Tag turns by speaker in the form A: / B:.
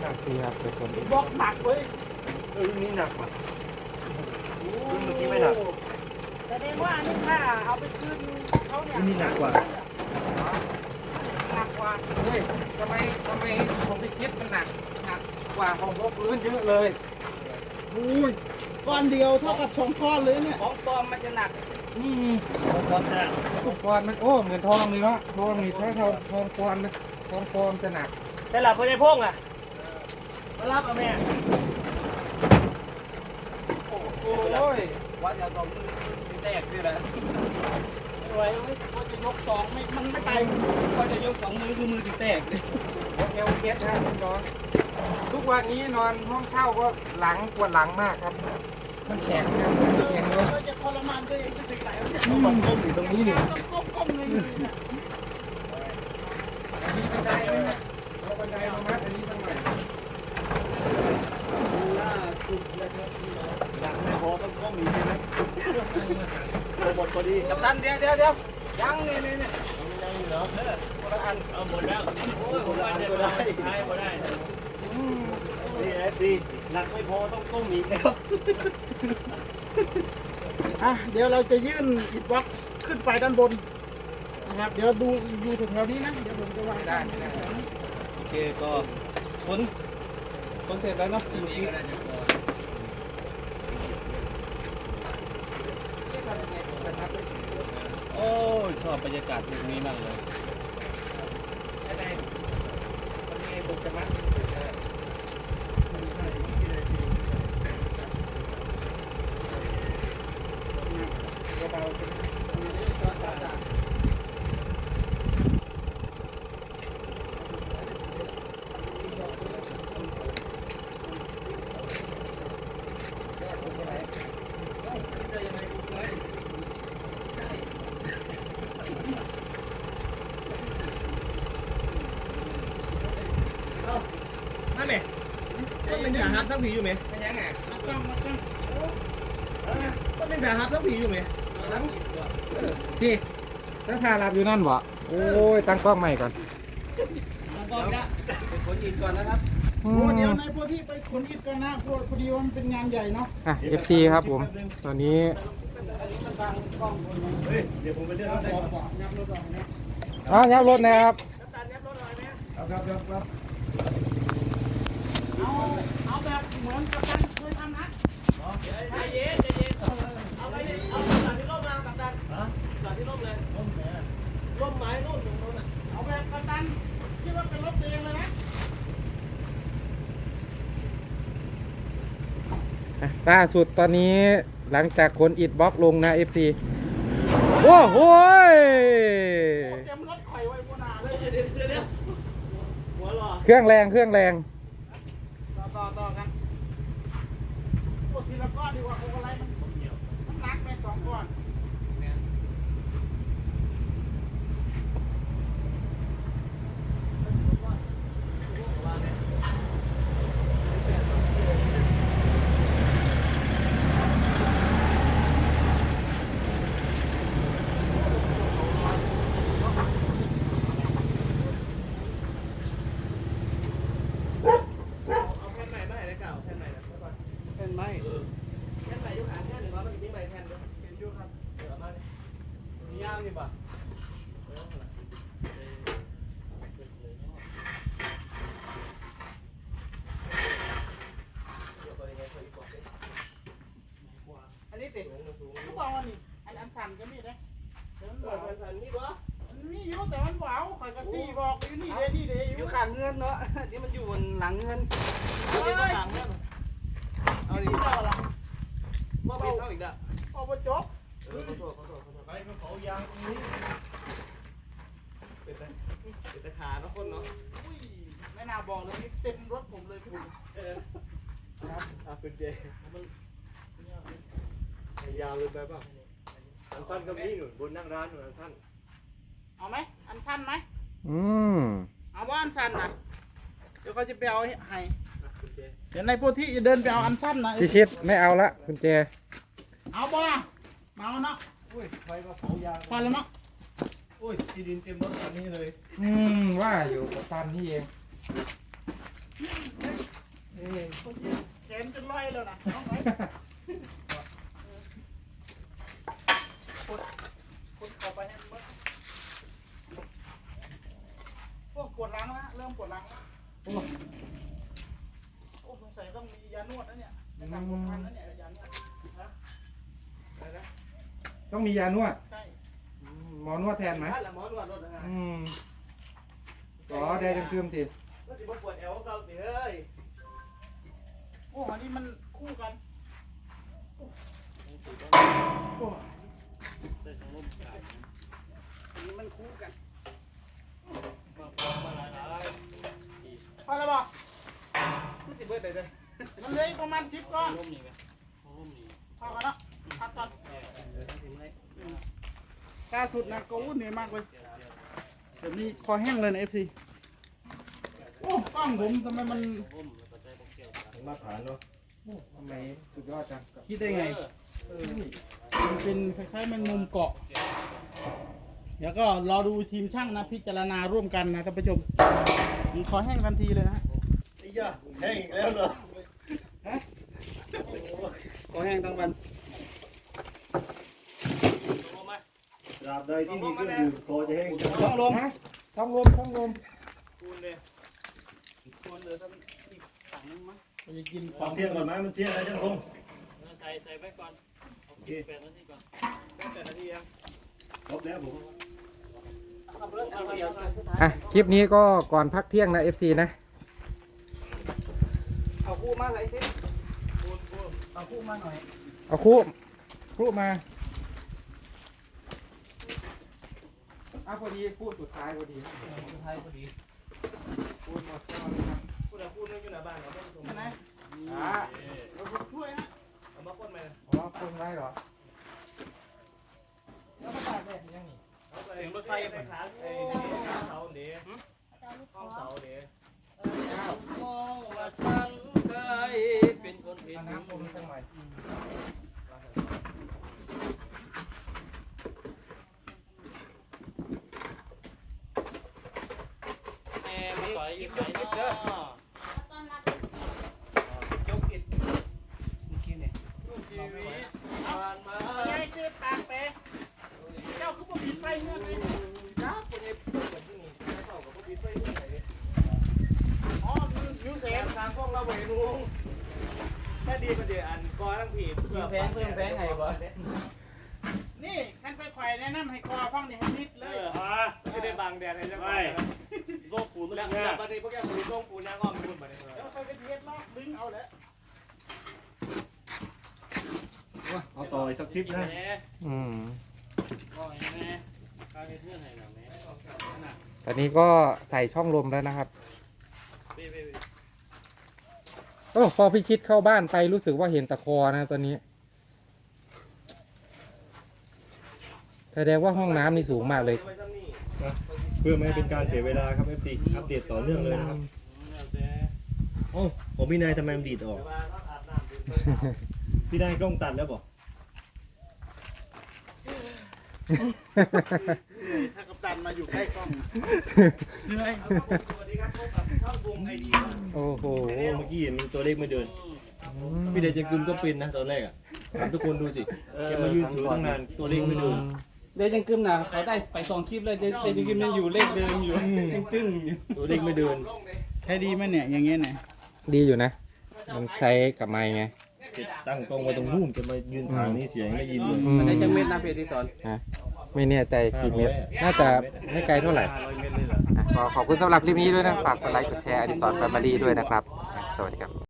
A: FC ครับเป็นคน
B: บล็อกหนักเว้ย
C: รุ่นนี้หนักว่ะรุ่นเมื่อกี้ไม่หนัก
B: แสดงว่านี่ถ้าเอาไปคืนเขาเนี่ย
C: รุ่นนี้หนักกว่า
B: หนักกว่า
A: เฮ้ยทำไมผมไปคิดมันหนักกว่าของพวกพื้นเยอะเลยอุ้ย
B: ก้อนเดียวเท่ากับ2ก้อนเลยเนี่ย
C: ของปลอมมันจะหนัก
A: อืม
C: ของปลอมจะหนัก
A: ทองปอนมันโอ้เหมือนทองเลยเนาะทองนี่ถ้าทองปอนมันทองปอนจะหนัก
B: แต่หลับคนในพงอ่ะมารับเอาแม่
A: โอ้ย
C: วัดยาตอมมือที่แตกนี่แหละ
B: ไว้ว่าจะยก2ไม่มันไม่ไป
C: ก็จะยก2 มือคือมือที่แตกเลย
A: เอวเคสนะคุณน้องทุกวันนี้นอนห้องเช่าก็หลังปวดหลังมากครับมันแข็งครับแข็งเลย
B: เราจะทรมานตัวเองจะถึงไหนวะเนี่ย
C: ต้องมันก้มอยู่ตรงนี้นี่
B: ต้องก้มๆเลยเนี่ย
A: มีบันไดไหมครับเอาบันไดมามัดอันนี้สักหน่อย
C: ล่าสุดเลยครับหนักไม่พอต้องก้มอีกใช่ไหมโอ้หมดพอดี
A: กัปตันเดี๋ยวยังนี่
C: ยังอยู่เหรอคนละอัน
D: เอาหมดแล้วโอ้ย
C: คนละอันก็ได้
D: ใช้หมดได้
C: นี่เอฟซีหนักไม่พอต้องก้มอีกนะครับ
B: อ่ะเดี๋ยวเราจะยื่นอิฐบล็อกขึ้นไปด้านบนนะครับเดี๋ยวดูอยู่แถวๆนี้นะเดี๋ยวผมจะวาง
A: ไม่ได้
C: โอเคก็คนเสร็จแล้วเนาะ
D: ตัวนี้ก็น่าจะพอ
C: โอ้ยชอบบรรยากาศตรงนี้มากเลย
A: ได้มันมีบุกจะมัดเบา
D: นั่นแหละต้นเป็นขาฮับทั้งผีอยู่ไหม
A: ไม่ยังไง
B: ต้องมาต้อง
D: ต้นเป็นขาฮับทั้งผีอยู่ไหม
A: พี่ตั้งทารับอยู่นั่นบ่โอ้ยตั้งกล้องใหม่ก่อน
C: ก่อนนะเป็นคนอินก่อนนะครับ
B: โอ้เดี๋ยวในพวกที่ไปขนอิฐกันนะพอดีว่ามันเป็นงานใหญ่เนาะ
A: อ่ะ FC ครับผมตอนนี้
C: เฮ้ยเดี๋ยวผมไปเลือกรถได้ก่อน
B: ยับรถออกเนี่ย
A: อ๋อยับรถนะครับ
C: ครับ
B: เอาแบบเหมือนกับการเคยทำนะ
D: ใจเย็นใจเย็นเอาไปเอาหลังที่ร่มมากับดันหลังที่ร่มเลยร่มไม้ร่มตรงนู้นอ่ะ
B: เอาแบบกับการคิดว่าเป็นรถตัวเองเลยนะ
A: ล่าสุดตอนนี้หลังจากขนอิฐบล็อกลงนะ FC โอ้โหย
B: เตรียมรถข่อยไว้บนหน้าเลย
D: เดี๋ยวหัวหล่อ
A: เครื่องแรง
B: ต่อกันพวกทีละก้อนดีกว่าพวกอะไรมันหนักไป2ก้อน
D: เอาแผ่นใหม่มาให้ได้เก่าแผ่นใหม่นะ
C: เป็นไหม
D: แผ่นใหม่ยุคอ่านแผ่นหนึ่งร้อยมันทิ้งใหม่แผ่นเดียวเห็นยุคครับเดี๋ยวมามีย่างอยู่ป่ะ
B: อันนี้ติดทุกบอกว่านี่อันสั่นก็มีนะแต่มันเบา
D: นี่วะ
B: มีอยู่แต่มันเบาข่อยก็ซี่บอกอยู่นี่เด้นี่เด้อ
C: อยู่ ยู่ข้างเงินเนาะที่มันอยู่บนหลังเงิน
B: เฮ้ย
C: เอาดิ
B: เจ้าละ
D: ว่าผิดเท่าอีกอ่ะ
B: เอาไปจบ
D: ขอโทษ
C: ไปกระเป๋ายางตรงนี้
D: เป็นตะขาเนาะคนเนาะ
B: อุ้ยไม่น่าบอกเลยนี่เต็มรถผมเลยคุณ
C: คุณเจยาวเลยไปป่ะอันสั้นก็มีหนุนบนนั่งร้านหนุนอันสั้น
B: เอาไหมอันสั้นไหม
A: อืม
B: เอาว่าอันสั้นนะเดี๋ยวเขาจะไปเอาให้
D: คุณเจ
B: เดี๋ยวในพวกที่จะเดินไปเอาอันสั้นนะ
A: พี่ชิดไม่เอาละคุณเจ
B: เอาบ่มาเอาเนาะ
C: อุ้ยไปกระเป๋ายาง
B: พอแล้วเนาะ
C: อุ้ยที่ดินเต็มรถคันนี้เลย
A: ว่าอยู่กับตันนี่เอง
B: เเป็นรอยเลยนะน้องไว้คนเข้าไปให้มันโอ้ปวดหลังแล้วเริ่มปวดหลังแล้วโอ้สงสัยต้องมียานวดนะเนี่ยในการปวดพันนะเนี่ยยานวดนะอะไรนะ
A: ต้องมียานวด
B: ใช่
A: หมอนวดแทนไหม
D: บ้านละหมอนวดรถนะฮะ
A: อ๋อได้จังคืมสิ
D: ก็สิบ่ปวดแอวเราสิเอ้ย
B: โอ้อันนี้มันคู่กันโอ้อันนี้มันคู่กันพอแล้วบอก
D: มันสิเบิดได้เลย
B: มันเหลยประมาณ10ก้อน
C: ร่มนี่ไหมร่มนี่
B: พอกันเนาะพักก่อนล่าสุดนะก็วุ่นเหนื่อยมากเลยเดี๋ยวนี้คอแห้งเลยนะ FC โอ้กล้องผมทำไมมัน
C: ร่มแล้วก็ใช้พวกเกี่ยวกัน
A: มาฐานเนาะทำไมสุดยอดจัง
B: คิดได้ไงมันเป็นคล้ายๆแมงมุมเกาะ เดี๋ยวก็รอดูทีมช่างนะพิจารณาร่วมกันนะท่านผู้ชมมันคอแห้งทันทีเลยนะฮะ
D: ไอ้ย่าแห้งอีกแล้วเหรอ
B: คอแห้งทั้งวัน
C: ตราบใดที่มีเครื่องดื่มคอจะแห้งจะ
B: ต้องลม
A: ต้องลมต้องลม
D: คูณเลย
B: ควรเหลือสักอีกถังนึงมั้งเราจะกินข
C: ควา
B: อ
C: ม
B: ง
C: เที่ยงก่อนไหมมันเที่ยงแล้วจังคง
D: ใส่ไว้ก่อน
C: โอเค
D: 8 นาทีก่อน8 นาทียัง
C: ครบแล้วผม
D: ขับรถเอาเดียว
A: อ่ะคลิปนี้ก็ก่อนพักเที่ยงนะ FC นะ
B: เอาคู่มาใส่สิเอาคู่มาหน่อย
A: เอาคู่มาพอดีพูดสุดท้ายพอดี
D: สุดท้ายพอดี
A: พูดหมดก็เลยครับ
D: พูดนึงอยู่หน้าบ้านเราไม่ตรง
B: ใช่ไหม
A: อ่ะ
B: เราช่วยนะ
D: เอามาพ่นไหม
A: อ๋อคนไว้เหรอแล้วมาตากแดดยังนี่
D: เสียงรถไฟไปขาไอ้เสาเดี๋ยวห้องเสาเดี๋ยวมองว่าฉันเคยเป็นคนผิด
A: เอาน้ำผมสักหน่อย
D: แม่มาต่อยอยู่ไหนเนาะยกอิดเมื่อกี้เนี่ยชีวิตผ่านมา
B: ไงคือปากเปเจ้าคือผมปิดไฟเงื่อนเลย
D: ครับคนนี้เปิดที่นี่เท่ากับพวกพี่ไปเมื่อไหร่
B: อ๋อมันมิวเซ
D: เสีย
B: ฟ
D: ทางพวกเราไปลุงแค่ดีประเดี๋ยวอันกอทั้งผีเพิ่มแพงไงวะ
B: นี่ขั้นไปไข่แนะนำให้คอฟังนี่ให้มิดเลย
D: ไม่ได้บังแดดให้จังหวะโลกปูนแล้วบางทีพวกแกปูนโลกปูนยางอ้อมปูนมาเนี่ย
B: เดี๋ยวไปกระเทียมลอกดึงเอาแหละ
C: เอาต่ออีกสักคลิปนะ
A: อืม
D: ก็แม่การเพื่อนไหนหนังแม่
A: ตอนนี้ก็ใส่ช่องลมแล้วนะครับโอ้พอพี่ชิดเข้าบ้านไปรู้สึกว่าเห็นตะคอนะตอนนี้แสดงว่าห้องน้ำนี่สูงมากเลย
C: เพื่อไม่ให้เป็นการเสียเวลาครับ FC อัปเดตต่อเนื่องเลยนะครับโอ้ผมพี่นายทำไมมันดีดออก พี่นายกล้องตัดแล้วบอก
B: ถ้ากัปตันมาอยู่ใกล้กล้อง
D: สวัสดีครับพบกับช่องวงไอดี
A: โอ้โห
C: เมื่อกี้เห็นตัวเลขไม่เดิน พี่นายจะกึมก็เป็นนะตอนแรกอ่ะถามทุกคนดูสิแกมายืนถือตั้งนานตัวเลขไม่เดิน
B: เดี๋ยวยังกึมนะเขาได้ไป2คลิปเลยเดี๋ยวยังกึมยังอยู่เลขเดิมอยู่ยังตึ้งอยู่
C: ตัวเลขไม่เดิน
B: ใช้ดีไหมเนี่ยอย่างเงี้ยเนี่ย
A: ดีอยู่นะ มันใช้กับไม้ไง
C: ตั้งกล้องไว้ตรงนู่นจะมายืนทางนี้เสียงไม่ยินเลย
B: มันได้จังเม็ดนะเพจที่สอน
A: ฮะไม่แน่ใจกี่เมตร น่าจะไม่ไกลเท่าไหร่
C: 500 เมตรเลยเหรอ
A: อ่ะก็ขอบคุณสำหรับคลิปนี้ด้วยนะ ฝากกดไลค์ กดแชร์อดิสรแฟมิลี่ด้วยนะครับอ่ะสวัสดีครับ